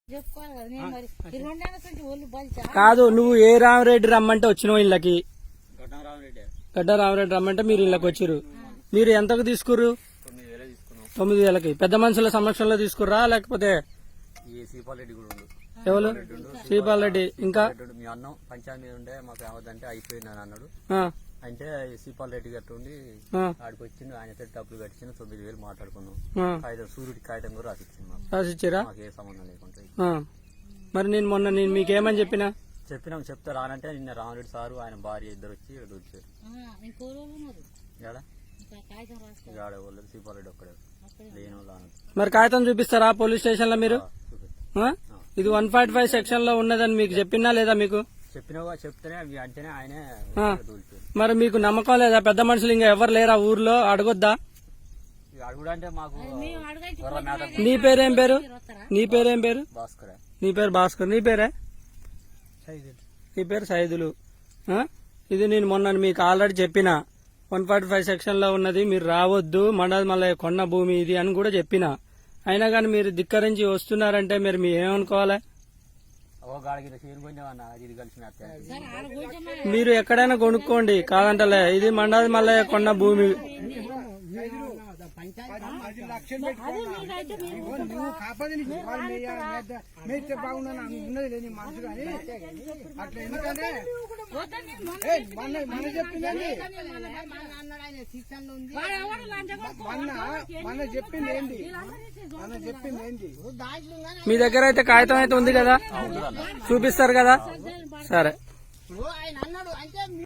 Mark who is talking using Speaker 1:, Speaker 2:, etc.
Speaker 1: కాదు, నువ్వు ఏ రామరెడ్డి రమ్మంటే వచ్చినావు ఇళ్ళకి? గడ్డ రామరెడ్డి రమ్మంటే మీరు ఇళ్ళకి వచ్చిర్రు. మీరు ఎంతకు తీసుకుర్రు? 9,000కి. పెద్ద మనుషుల సమక్షంలో తీసుకుర్రా లేకపోతే ఎవరు? శ్రీపాల్ రెడ్డి. ఇంకా
Speaker 2: మీ అన్నం పంచాయతీ మీద ఉండే మాకు ఏమవుతుందంటే అయిపోయిందని అన్నాడు. అంటే శ్రీపాల్ రెడ్డి గట్టు ఉండి ఆడికి వచ్చిండు. ఆయన డబ్బులు కట్టించిన 9,000 మాట్లాడుకున్నాం. సూర్యుడి కాగితం కూడా
Speaker 1: రాసిచ్చారా?
Speaker 2: మాకు ఏ సంబంధం లేకుండా.
Speaker 1: మరి నేను మొన్న మీకేమని చెప్పినాం
Speaker 2: చెప్తే రానంటే నిన్న రామరెడ్డి సారు ఆయన భార్య ఇద్దరు వచ్చి వచ్చారు. శ్రీపాల్ రెడ్డి ఒక్కడే లేను.
Speaker 1: మరి కాగితం చూపిస్తారా పోలీస్ స్టేషన్ లో మీరు? ఇది 145 సెక్షన్ లో ఉన్నదని మీకు చెప్పినా లేదా? మీకు
Speaker 2: చెప్పినవా? చెప్తేనే అంటేనే ఆయనే.
Speaker 1: మరి మీకు నమ్మకం లేదా? పెద్ద మనుషులు ఇంకా ఎవరు లేరా ఊర్లో? అడగొద్దా?
Speaker 2: అడుగుడంటే మాకు.
Speaker 1: నీ పేరేం పేరు? నీ పేరేం పేరు?
Speaker 2: భాస్కర్.
Speaker 1: నీ పేరు భాస్కర్. నీ పేరే? నీ పేరు సైదులు. ఇది నేను మొన్న మీకు ఆల్రెడీ చెప్పిన 145 సెక్షన్ లో ఉన్నది, మీరు రావద్దు, మళ్ళీ కొన్న భూమి ఇది అని కూడా చెప్పిన. అయినా కానీ మీరు ధిక్కరించి వస్తున్నారంటే మీరు ఏమనుకోవాలి? మీరు ఎక్కడైనా కొనుక్కోండి, కాదంటలే. ఇది మండలి మళ్ళీ కొన్న భూమి.
Speaker 3: నువ్వు కాపాది బాగున్నా ఉన్నది లేని మనసు కానీ అట్లా. ఎందుకంటే మన చెప్పిందండి, మన చెప్పింది ఏంటి? మన చెప్పింది ఏంటి?
Speaker 1: మీ దగ్గర అయితే కాగితం అయితే ఉంది కదా, చూపిస్తారు కదా? సరే.